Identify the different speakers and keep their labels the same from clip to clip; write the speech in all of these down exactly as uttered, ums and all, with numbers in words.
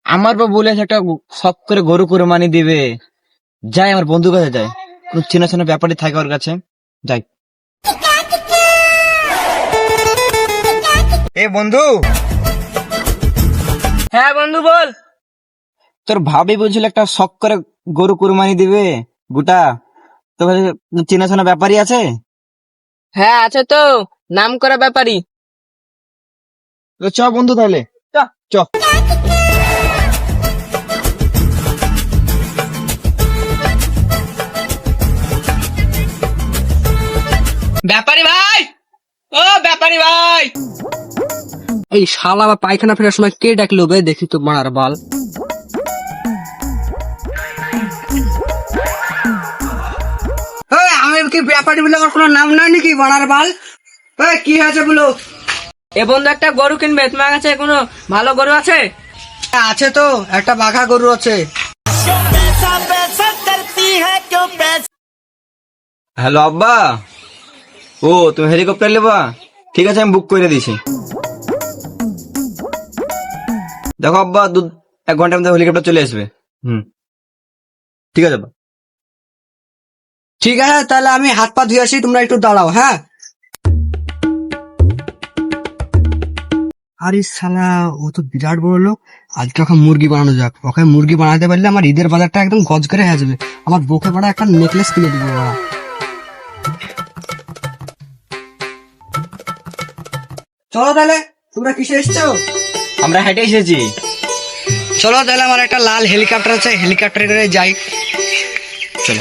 Speaker 1: আমার বা বলেছে একটা শখ করে গরু কুরবানি দিবে। যাই আমার বন্ধুর কাছে যাই, কোন চেনা চেনা ব্যাপারই থাকে ওর কাছে, যাই। এ বন্ধু।
Speaker 2: হ্যাঁ বন্ধু বল।
Speaker 1: তোর ভাবি বলছিল একটা শখ করে গরু কুরবানি দিবে গোটা, তোর কাছে চেনা চেনা ব্যাপারই আছে?
Speaker 2: হ্যাঁ আছে তো, নাম করা ব্যাপারই।
Speaker 1: তো চ বন্ধু তাহলে চ চ।
Speaker 2: ব্যাপারী ভাই, ও ব্যাপারী ভাই।
Speaker 3: এই শালা বা পায়খানা ফেরার সময় কে ডাকলো বে, দেখি তো মারার বাল। আমি কি ব্যাপারী বলে আমার কোনো নাম নাই নাকি মারার বাল? এই, কি হয়েছে বলো?
Speaker 2: এ বন্ধু একটা গরু কিনবে, তোমার কাছে কোনো ভালো গরু আছে?
Speaker 3: আছে তো, একটা বাঘা গরু আছে।
Speaker 1: হ্যালো আব্বা, ও তুমি হেলিকপ্টার নেবা? ঠিক আছে আমি বুক করে দিছি। দেখো আব্বা, দু এক ঘন্টার মধ্যে হেলিকপ্টার চলে আসবে। হুম ঠিক আছে আব্বা।
Speaker 3: ঠিক আছে, তাহলে আমি হাত পা ধুয়ে আসি, তোমরা একটু দাঁড়াও। হ্যাঁ। আরে শালা, ও তো বিরাট বড় লোক। আজকে ওকে মুরগি বানানো যাক। ওকে মুরগি বানাতে পারলে আমার ঈদের বাজারটা একদম গজ করে হয়ে যাবে। আমার বউকে বাড়া একটা নেকলেস কিনে দিবো বাড়া। চলো তাহলে, তোমরা কিসে এসছো?
Speaker 1: আমরা হেঁটে এসেছি।
Speaker 3: চলো তাহলে, আমার একটা লাল হেলিকপ্টার আছে, হেলিকপ্টারে করে যাই।
Speaker 1: চলো।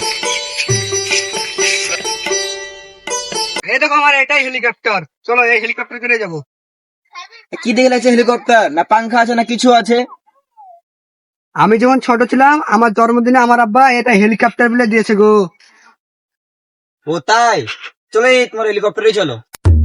Speaker 3: এই দেখো আমার এটাই হেলিকপ্টার, চলো এই হেলিকপ্টার করে যাবো।
Speaker 1: কি দেখে লাগছে হেলিকপ্টার? না পাংখা আছে না কিছু আছে?
Speaker 3: আমি যখন ছোট ছিলাম, আমার জন্মদিনে আমার আব্বা এটা হেলিকপ্টার বলে দিয়েছে গো।
Speaker 1: ও তাই? চলো এই তোমার হেলিকপ্টারে চলো।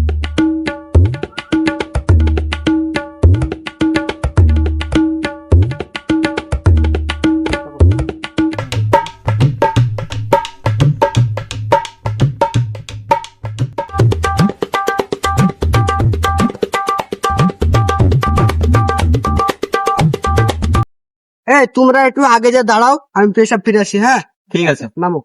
Speaker 3: এই তোমরা একটু আগে যা দাঁড়াও, আমি পেশাব ফিরে আসি। হ্যাঁ
Speaker 1: ঠিক আছে
Speaker 3: নামো।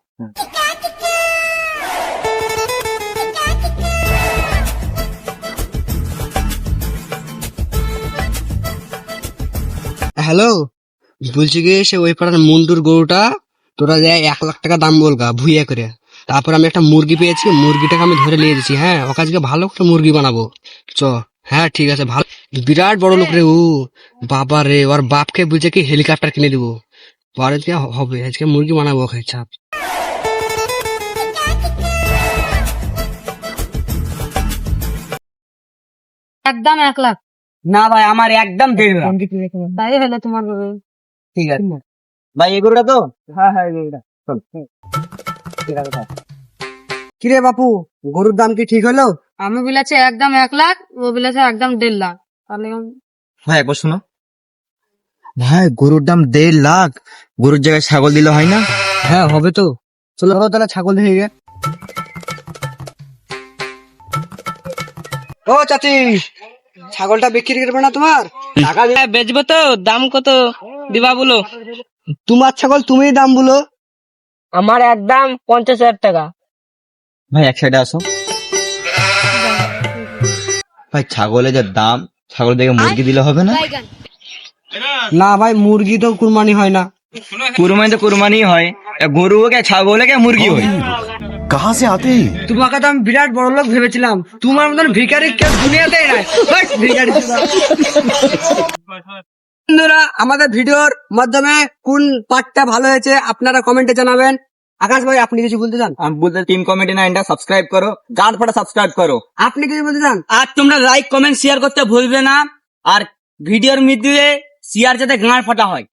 Speaker 3: হ্যালো, বলছি কি, সে ওই পাড়ার মুন্ডুর গরুটা তোরা যায় এক লাখ টাকা দাম বলগা ভুইয়া করে। তারপর আমি একটা মুরগি পেয়েছি, মুরগিটাকে আমি ধরে নিয়ে দিচ্ছি। হ্যাঁ, ওকে আজকে ভালো একটা মুরগি বানাবো। চ। হ্যাঁ ঠিক আছে, ভালো। বিরাট বড় লোক রে ও। বাবা রে, ওর বাপকে বুঝে কি হেলিকপ্টার কিনে দিবো। বাড়িতে হবে আজকে মুরগি বানাবো ওকে। চাপ।
Speaker 2: একদম এক লাখ।
Speaker 1: না ভাই, আমার একদম দেড় লাখ।
Speaker 2: তাই হলে তোমার
Speaker 1: ঠিক আছে ভাই, এই গরুটা তো? হ্যাঁ হ্যাঁ এই গরুটা। চল ঠিক আছে।
Speaker 3: কিরে বাপু, গরুর দাম কি ঠিক হলো?
Speaker 2: আমি বলেছি একদম এক লাখ, ও বলেছে একদম দেড় লাখ। তাহলে
Speaker 1: ভাই একবার শোনো ভাই, গরুর দাম দেড় লাখ, গরুর জায়গায় ছাগল দিলে হয় না?
Speaker 3: হ্যাঁ হবে তো। চলো তাহলে ছাগল দেখে গে। ও চাচি, ছাগলটা বিক্রি করবে না তোমার? টাকা দিয়ে
Speaker 2: বেচবো তো, দাম কত দিবা বলো?
Speaker 3: তোমার ছাগল তুমিই দাম বলো।
Speaker 2: আমার একদম পঞ্চাশ হাজার টাকা।
Speaker 1: ভাই এক সাইডে আসো ভাই, ছাগলের যে দাম, ছাগল দেখে মুরগি দিলে হবে না?
Speaker 3: না ভাই, মুরগি তো কুরবানি হয় না।
Speaker 1: কুরবানি তো কুরবানি হয়, গরু হোক ছাগল হোক মুরগি হোক।
Speaker 4: कहाँ से आते हैं?
Speaker 3: তোমাকে তো আমি বিরাট বড় লোক ভেবেছিলাম, তোমার মতন ভিখারি কেউ দুনিয়াতেই নাই। হাট, ভিখারি চোদা। বন্ধুরা, আমাদের ভিডিওর মাধ্যমে কোন পার্টটা ভালো হয়েছে আপনারা কমেন্টে জানাবেন। আকাশ ভাই, আপনি কিছু বলতে চান?
Speaker 1: আমি বলতে টিম কমেডি নাইনটা সাবস্ক্রাইব করো, গান ফাটা সাবস্ক্রাইব করো।
Speaker 3: আপনি কিছু বলতে চান?
Speaker 2: আর তোমরা লাইক কমেন্ট শেয়ার করতে ভুলবে না। আর ভিডিওর মধ্যে শেয়ার যাতে গাঁড় ফাটা হয়।